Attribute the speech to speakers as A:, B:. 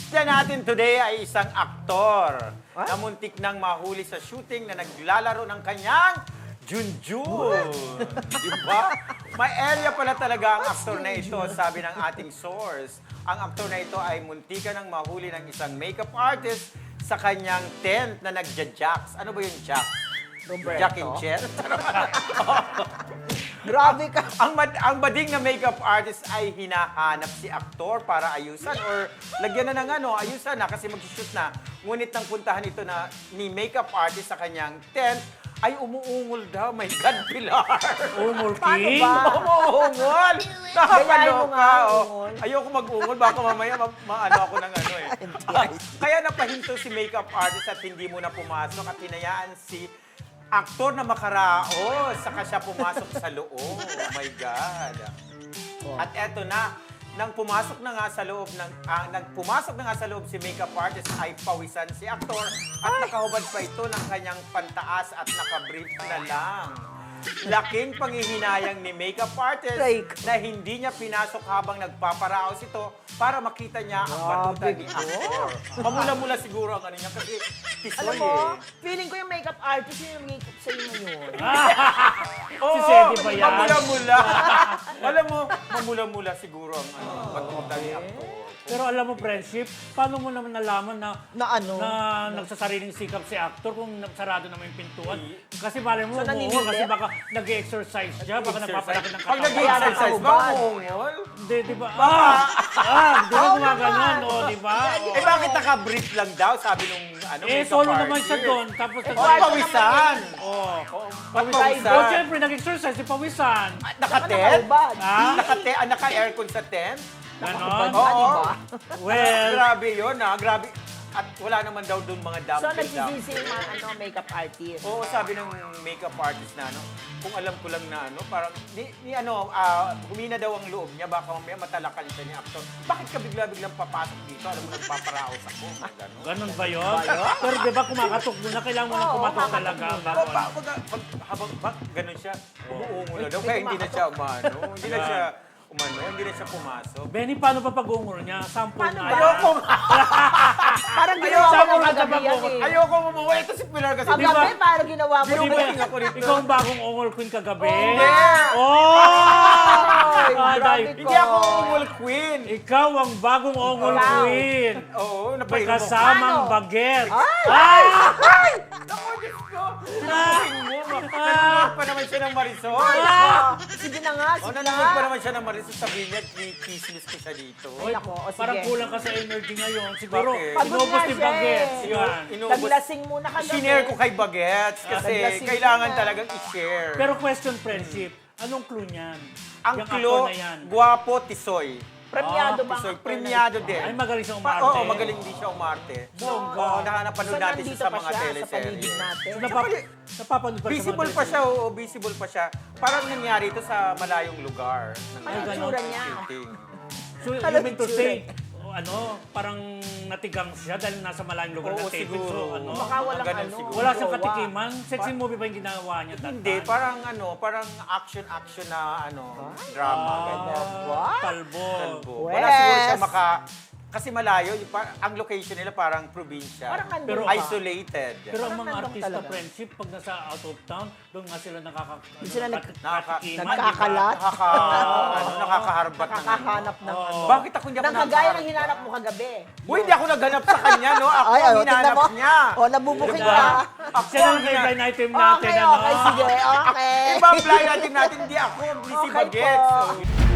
A: artista natin today ay isang aktor na muntik nang mahuli sa shooting na naglalaro ng kanyang Junjun. Diba? May area pala talaga ang aktor na ito, sabi ng ating source. Ang aktor na ito ay muntikan nang mahuli ng isang makeup artist sa kanyang tent na nagja-jacks. Ano ba yung jacks?
B: Roberto.
A: Jack and chair?
B: Grabe ka.
A: Ang bading na makeup artist ay hinahanap si aktor para ayusan or lagyan na ng ayusan na kasi mag-shoot na. Ngunit nang puntahan ito na ni makeup artist sa kanyang tent, ay umuungol daw. My God, Pilar!
C: Umul
B: Paano
C: King?
B: ba?
A: Umuungol!
B: Gayahin mo
A: Nakakaloka!
B: nga,
A: Oh.
B: ungol.
A: Ayoko mag-ungol, baka mamaya maano ako ng Kaya napahinto si makeup artist at hindi muna pumasok at hinayaan si aktor na makaraos, saka siya pumasok sa loob. Oh my God. At eto na, nang pumasok na nga sa loob si makeup artist ay pawisan si aktor at nakahubad pa ito ng kanyang pantaas at nakabrief na lang. Laking panghihinayang ni makeup artist
B: Like.
A: na hindi niya pinasok habang nagpaparaos ito para makita niya ang batuta ni aktor. Mamula-mula siguro ang ano niya kasi
B: Alam
A: tisoy
B: mo, feeling ko yung makeup artist yung makeup sa'yo ngayon.
A: Oo,
C: Sedi ba yan?
A: mamula-mula. Alam mo, mamula-mula siguro ang batuta ni aktor.
C: Pero alam mo, friendship, paano mo naman nalaman na
B: Na ano?
C: na nagsasariling sikap si actor kung sarado naman yung pintuan? Kasi malay mo,
B: So,
C: umuungol
B: naninilip?
C: kasi baka nag-exercise siya, baka nagpapalaki ng
A: Pag
C: katawan.
A: nag-exercise ba,
B: Nakahubad.
A: umuungol?
C: Hindi, di ba? Di ba gumaganon, o, di ba?
A: Eh bakit naka-brief lang daw, sabi nung makeup
C: Solo naman
A: artist?
C: siya doon, tapos
A: Pawisan!
C: pawisan. O, siyempre, nag-exercise, si pawisan.
A: Naka-tent?
B: Nakahubad.
C: Ha?
A: Naka-aircon sa tent?
C: Ganon?
A: Oo.
C: Well,
A: Grabe yun grabe. At wala naman daw doon mga
B: So,
A: dumbbell.
B: nagsisisi yung mga makeup artist.
A: Oo, sabi ng makeup artist na kung alam ko lang na parang humina daw ang loob niya, baka mamaya matalakan siya ni actor. Bakit ka bigla-biglang papasok dito? Alam mo, nagpaparaos ako. Gano'n.
C: ganon ba yun? Pero di ba kumakatok mo na, kailangan mo na kumatok talaga.
A: Habang gano'n siya, umuungo na daw. Kaya hindi na siya hindi na siya pumasok.
C: Benny, paano pa pag-ungol niya? Sample
B: Paano
C: na
B: ba?
A: Ayoko
B: Parang ginawa
C: Ayaw
B: mo
C: mo
B: kagabi yan eh.
A: Ayoko umuwi. Ito si Pilar kasi.
C: Di ba?
B: Kagabi, parang ginawa mo.
C: Di ba,
A: Binubuking ako dito.
C: ikaw ang bagong ungol queen kagabi?
A: Hindi!
C: Oh!
B: Ay,
C: Aday.
B: grabe ko.
A: Hindi ako umul queen.
C: Ikaw ang bagong ungol
B: Wow.
C: queen.
A: Oo,
C: May
A: napainom mo.
C: kasamang
B: Ano?
C: baget.
B: Ay!
A: Ako, Diyos ko. Binubuking mo. Nanonood pa naman siya ng Marisol.
B: Sige na nga, sige na
A: Nanonood pa
B: nga.
A: naman siya ng Marisol. Sabihin niya, kismis ko siya dito.
B: Ay, nako, o sige.
C: Parang kulang ka sa energy ngayon. Siguro,
A: Bakit?
B: Pagod
C: inubos
B: nga
C: ni
B: siya
C: baget.
B: eh.
C: Yan.
B: Naglasing muna kagabi.
A: Sinare ko kay Bagets kasi
B: Naglasing
A: kailangan
B: na.
A: talagang i-share.
C: Pero question friendship, anong clue niyan?
A: ang
C: Yung
A: klo,
C: actor na yan.
A: guwapo, tisoy.
B: Premiado ba? ang
A: Tisoy,
B: actor na
A: premiado din.
C: Ay, magaling siya umarte.
A: Oo, magaling din siya umarte.
C: Bongga.
A: Oo, napanood
B: So,
A: natin siya
B: nandito
A: sa
B: pa
A: mga
B: siya sa
A: teleserye.
B: paligid natin.
C: Napapanood pa
A: Visible pa siya, oo, visible pa siya. Parang nangyari ito sa malayong lugar.
B: Ano ang tsura niya?
A: Shooting.
C: So, you
B: Ano
C: mean to
B: itsura?
C: say, parang natigang siya dahil nasa malayong lugar
A: Oo,
C: na taping.
A: siguro.
C: So,
B: Baka walang
A: Ganun
B: ano.
A: siguro.
C: wala siyang
B: jowa.
C: katikiman. Sexy movie ba yung ginawa niya? that
A: Hindi,
C: time?
A: parang action na drama. ganyan.
B: What?
C: Talbo.
A: Talbo. Wala siguro siya
B: Wes.
A: kasi malayo, ang location nila parang probinsya.
B: Parang nandun
C: Pero-
B: ka.
A: Isolated.
C: Pero ang
B: Parang
C: mga
B: nandun
C: artista
B: talaga.
C: friendship, pag nasa out of town, doon nga sila
B: Doon sila
C: nakakatikiman.
B: nagkakalat.
A: Nakakaharbat ng
B: Nakakahanap ng ano.
A: Bakit ako hindi ako
B: Nang kagaya ng hinanap mo kagabi.
A: Uy, hindi ako naghanap sa kanya, no? Ako
B: Ay,
A: ang
B: tingnan
A: hinanap
B: mo.
A: niya.
B: O, nabubuking
A: Diba?
B: ka.
A: Ako
C: Siya
A: ang
C: ang blind item natin.
B: Okay,
C: ano?
B: okay, sige, okay.
A: Iba ang blind natin, hindi ako. Busy
B: Okay
A: bagets.
B: po.
A: So,